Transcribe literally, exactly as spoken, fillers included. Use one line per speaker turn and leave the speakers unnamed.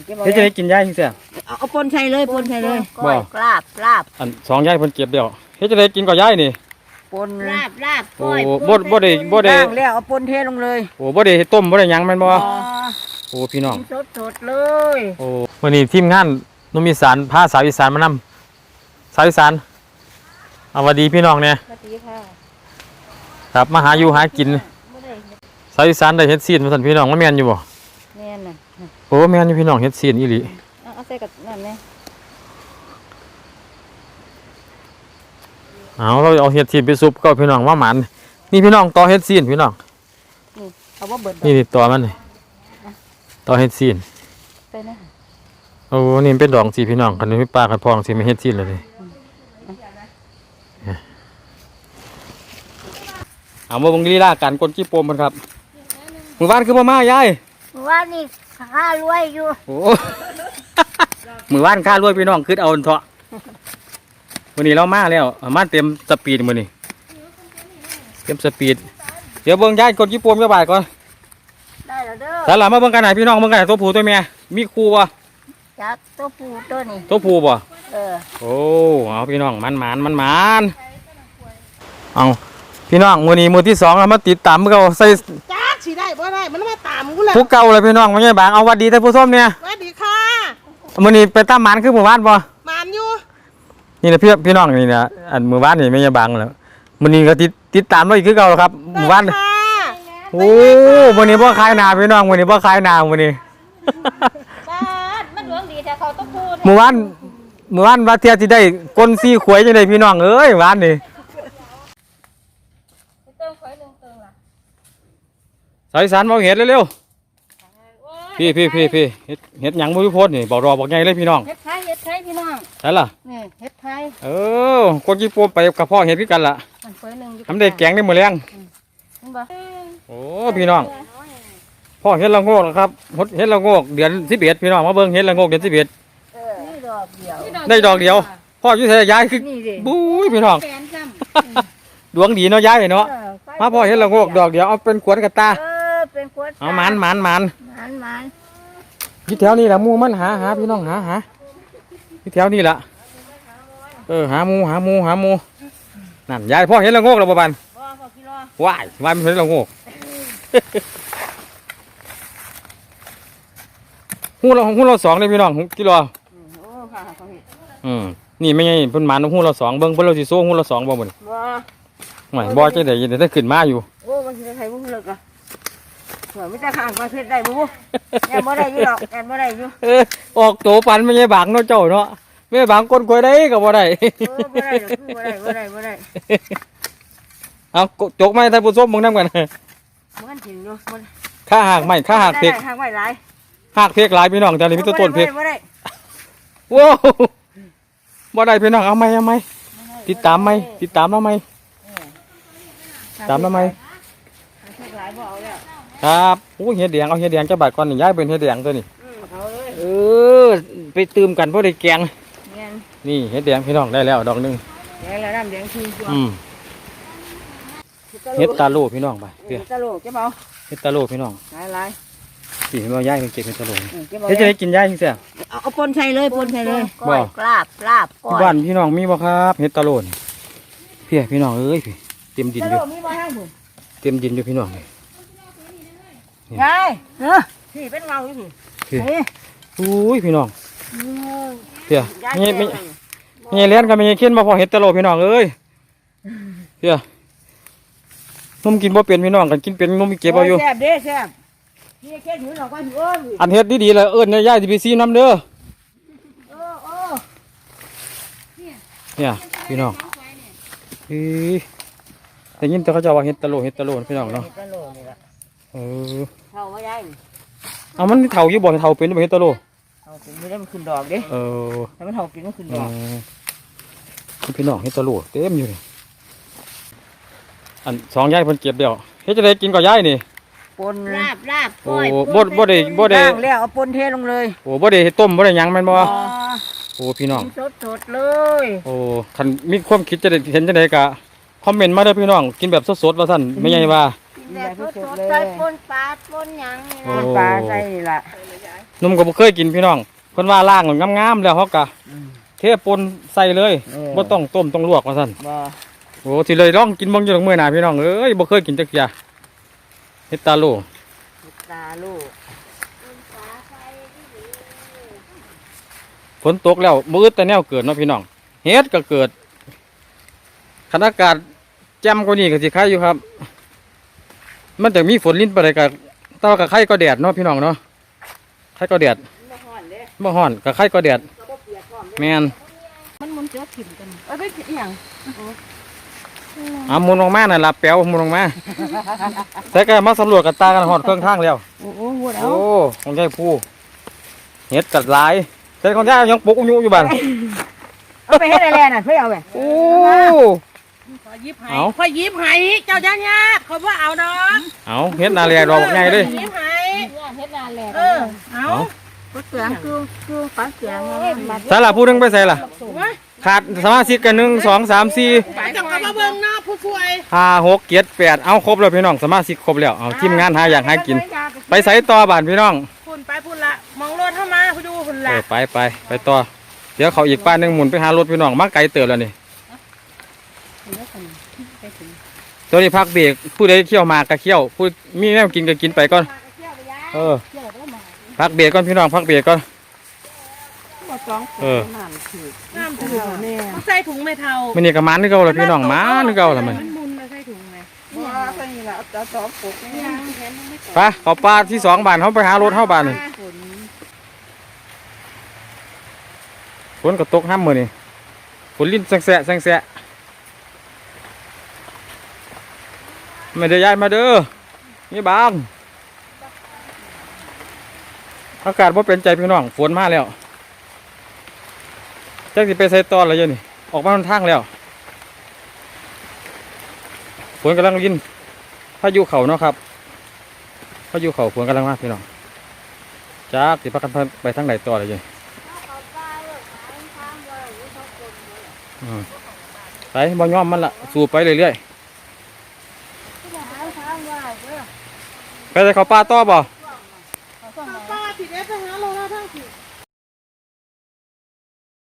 เฮ็ดจะได้กินย่ายจริงเสีย
เอาเอาปนใส่เลยปนใส่เลย
บ่
ลาบลาบ
อันสองย่ายเพิ่นเก็บเดียวเฮ็ดจะได้กินกับย่ายนี่
ปนลาบลาบ
โอ้บ่บ่ได้บ่ได้
แล้วเอาปนเทลงเลย
โอ้บ่ได้ต้มบ่ได้หยังแม่นบ่โอ้พี่น้อง
สดสดเลย
โอ้วันนี้ทีมงานนุ่มอีสานพาสาวอีสานมานำสาวอีสานเอาสวัสดีพี่น้องเนี่ย
สวัสดีค่ะ
ครับมาหาอยู่หากินสาวอีสานได้เฮ็ดซีนมาสั่นพี่น้องมันแม่นอยู่บ่
แม่นน่ะ
โอ้แม่นอยู่พี่น้องเฮ็ดซีนอีหลี
เอาใส่กับนั่นแน่
เอาเราเอาเฮ็ดซีนไปซุปก็พี่น้องว่าหมันนี่พี่น้องต่อเฮ็ดซีนพี่น้อง
นี่เอาว่าเบิด
นี่ต่อมันนี่ต่อเฮ็ดซีน
ไปนะ
โอ้นี่เป็นดองสีพี่น้องคันนี้ปลาคันพองสิไม่เฮ็ดซีนเลยเอามาเบิ่งลีลาการกดจี้โปมมันครับมื้อวานคือบ่มายาย
ว่านี่ข้ารวยอยู่
โอ้มื้อวานข้ารวยพี่น้องคิดเอาเถาะวันนี้เรามาแล้วมาเต็มสปีดมื้อนี้เต็มสปีดเดี๋ยวเบิ่งยายกดจี้โปมจักบาทก่อน
ได้แล้วเด้อ
สาระมาเบิ่งกันหน่อยพี่น้องเบิ่งกันหน่อยตัวผู้ตัวเมียมีคู่บ่
จักตัวผู้ตัวนี้
ตัวผู้บ่
เออ
โอ้เอาพี่น้องมันหมานมันหมานเอาพี่น้องมื้อนี้มื้อที่สองเรามาติดตามมื้อเก่าใส่
จ้าสิได้บ่ได้มันมาตามกูแหละ
ผู้เก่าเลยพี่น้องมันใหญ่บางเอาวัดดีแต่ผู้ส้มเนี่ย
สวัสดีค่ะ
มื้อนี้ไปตามหมานคือหมู่บ้านบ่
มานอยู่
นี่นะพี่พี่น้องนี่นะอันหมู่บ้านนี่ไม่ใช่บางแล้วมื้อนี้ก็ติดติดตามเราอีกคือเก่าครับหมู่บ้านโอ้มื้อนี้บ่ขายหน้าพี่น้องมื้อนี้บ่ขายหน้ามื้อนี้
บ้านมันหลวงดีแต่เขาต้องพูด
หมู่บ้านหมู่บ้านว่าเที่ยสิได้ก้นซี่ขวยจังได๋พี่น้องเอ้ยหมู่บ้านนี่สายสารมองเห็ดเร็วๆพี่พี่พี่พี่เห็ดเห็ดหยังมือโพดนี่บอกรอบอกไงเลยพี่น้อง
เห็ดไทยเห็ดไทยพี่น้อง
ใช่ล่ะ
นี่เห็ดไทย
เออคนญี่ปุ่นไปกับพ่อเห็ดพี่กันล่ะทำได้แกงได้หมดแรงโอ้พี่น้องพ่อเห็ดละโงกนะครับเห็ดละโงกเดือนสิบเอ็ดพี่น้องมาเบิ้งเห็ดละโงกเดือนสิบเอ็ดได้ดอกเดียวพ่อยุ่ยย้ายคือบุ้ยพี่น้องดวงดีเนาะย้ายเนาะมาพ่อเห็ดละโงกดอกเดียวเอาเป็นขวดกระตาเอาหมันหมันหมัน
มันมัน
ที่แถวนี้แหละมูมันหาหาพี่น้องหาหาที่แถวนี้แหละเออหามูหามูหามูนั่นยายพ่อเห็นละโงกแล้วบ่บันว้ายว้ายมันเห็นละโงกหูเราหูเราสองเลยพี่น้องกิโลอืมนี่ไม่ไงเพิ่นหมันหูเราสองเบิ้งเพิ่นเราสิโซ่หูเราสองบ่หมดไม่บ่จะได้ยินแต่ขึ้นมาอยู่
โอ้มันจะใครบุ้งเลิกอ่ะเหมือนไม่จะข้างประเทศได้บุ้งแอนบ่ได้อยู่หรอกแอนบ่ได้อยู่
เออออกโตปันไม่ใช่บางเนาะเจ้าเนาะไม่บางคนคอยได้ก็บ่ได้
บ่ได้บ่ได้บ่ได้บ่ได้
เอาจกไม้ท่านผู้ชมมึงนั่งกัน
มันถึงอยู่
ข้าหักไม่ข้าหักเพก
หักไม่หลาย
หักเพกหลายพี่น้องแต่นี่มีต้นเพก
บ่ได้
ว้าวบ่ได้พี่น้องเอาไหมเอาไหมติดตามไหมติดตามเราไหมตามเราไหมครับโอ้เห็ดแดงเอาเห็ดแดงจะบาดก่อนนี่ย้ายเป็นเห็ดแดงตัวนี้เออไปตื่มกันเพราะได้แกงนี่เห็ดแดงพี่น้องได้แล้วดอกนึง
แดงแล้วน้ำแดงคือ
อืมเห็ดตาโลพี่น้องไป
เห็ดตาโลเจ้าเบา
เห็ดตาโลพี่น้อง
หลายหลาย
สี่เห็นว่าย้ายเป็นเก็บเห็ดตาโลเห็ดจะได้กินย้ายจริงเสีย
เอาปนใส่เลยปนใส่เลยก้อยลาบลาบก้อย
บ้านพี่น้องมีบ่ครับเห็ดตาโลนพี่พี่น้องเอ้ยพี่เต็มดินอยู่เต็มดินอยู่พี่น้องเลย
ยายเนาะพี่เป็นเงาอยู่พี่
อุ้ยพี่น้องเพี้ยไม่ไม่ไม่เลี้ยนกันไม่เข็นมาพอเห็ดตะโลพี่น้องเอ้ยเพี้ยนุ่มกินบ่เป็นพี่น้องกันกินเป็นนุ่มเก็บเอาอยู่
แซ่บเด้แซ่บนี่แค่ถือหลอกว่าถืออ้น
อันเฮ็ดดีๆเลยเอิ้นย่ายสิไปซีน้ำเด้อ
โอ้โอ้
เนี่ยพี่น้องเฮ้ยแต่ยินแต่เขาจะว่าเห็ดตะโลเห็ดตะโลพี่น้องเนาะเออ
เท่าไม่ได้
เอามันเท่าอยู่บ่เท่าเป็นบ่เห็ดตะโล
เท่าเป็นไม่ได้มันขึ้นดอกเด้
เออ
แต่มันเท่าเป็นมันขึ้นดอก
พี่น้องเห็ดตะโลเต็มอยู่เลยอันสองย่ายเพิ่นเก็บเดียวเฮ็ดจะได้กินกับย่ายนี่
ปนลาบลาบ
โอ้บ่บ่ได้บ่ได้
แล้วเอาปนเทลงเลย
โอ้บ่ได้ต้มบ่ได้หยังแม่นบ่โอ้พี่น้อง
สดสดเลย
โอ้คันมีความคิดจะได้เห็นจังได๋ก็คอมเมนต์มาเด้อพี่น้องกินแบบสดๆว่าซั่นไม่ใหญ่ว่า
แบบสดๆใส่ปนปลาปนหยังปนปลาใส่ล่ะ
นมก็บ่เคยกินพี่น้องเพิ่นว่าล้างงามๆแล้วเฮาก็
อืม
เทปนใส่เลย
เออ
บ่ต้องต้มต้องลวกว่าซั่น
บ่
โอ้สิเลยลองกินเบิ่งอยู่ดอกมื้อหน้าพี่น้องเอ้ยบ่เคยกินจักเที่ยเฮ็ดตาโล
ตาลูก
ฝนตกแล้วมื้อแต่แนวเกิดเนาะพี่น้องเฮ็ดก็เกิดคันอากาศแจ่มกว่านี้ก็สิคายอยู่ครับ มันจะมีฝนลิ้นไปเลยก็แต่ว่าก็ไข่ก็แดดเนาะพี่น้องเนาะไข่ก็แดด
บ่ฮ้อนเด้
บ่ฮ้อนก็ไข่ก็แดด
ก็บ่เปียกพร้อมเด้
แม่น
มันมันเจอถิ่มกัน
เอาไปกินอีหยัง
เอาหมุนลงมาน่ะล่ะแป๋วหมุนลงมาแต่ก็มาสำรวจกับตากันฮอดเครื่องทางแล้ว
โอ้โหพูดเอา
โอ้ของยายผู้เฮ็ดกัดหลายแต่ของยายยังปลูกอยู่อยู่บ้าน
เอาไปเฮ็ดอะไรน่ะเพิ่นเอาไป
โอ้
ขอยิบให้
เอา
ขอยิบให้เจ้าญาติญาติเขาว่าเอาดอก
เอาเฮ็ดนาเรียดอกใหญ่เลย
ยิบให้
เฮ็ดนานแล้ว
เออเอา
เอา
บ่เสียงคือคือปลาเสียงมา
ใส่ละผู้หนึงไปใส่ละ
ว่า
ขาดสมาชิกกันหนึ่งสองสามสี่
ไปจังกับมาเบิ่งหน้าผู้ช่วย
ห้าหกเจ็ดแปดเอาครบแล้วพี่น้องสมาชิกครบแล้วเอาทีมงานหาอยากหากิน ไปใส่ต่อบ้านพี่น้อง
พุ่นไปพุ่นละมองรถเข้ามาคุณดูพุ่น
เอ
ละ
อไปไปไปต่อเดี๋ยวเขาอีกป้านหนึ่งหมุนไปหารถพี่น้องมาไกลเติบแล้วนี่ตัวนี้พักเบรกผู้ใดเที่ยวมากก็เที่ยวผู้มีแนวกินก็กินไปก่อนเออพักเบรกก่อนพี่น้องพักเบรกก่อน
บ่สอง
เออ
น้ำคือ
น้ำถุงเนี่ยใส่ถุงไม่เท่า
มันนี่ก็มันนึกเอาละพี่น้องมันนึกเอาละมัน
มันมุนมาใส่ถุงไหม
บ่ใส่นี่ล่ะเอาสองปกนี่
ไปเขาปลาที่สองบ้านเขาไปหารถเข้าบ้านนี่ฝนก็ตกห้ามมือนี่ฝนลิ้นแสงแสะแสงแสะไม่ได้ย้ายมาเด้อนี่บางอากาศว่าเป็นใจพี่น้องฝนมาแล้วจักสิไปใส่ตอนอะไรอยู่นี่ออกมาทางแล้วฝนกำลังลิ้นพายุเข่าเนาะครับพายุเข่าฝนกำลังมาพี่น้องจักสิพักกันไปทางไหนต่ออะไรอยู่อืมไปบ่ยอมมันละสู่ไปเรื่อยๆไปใส่เขาวปลาต่อบ่
ป้าผิดเอสไปหาโลแล้วทั้งผิด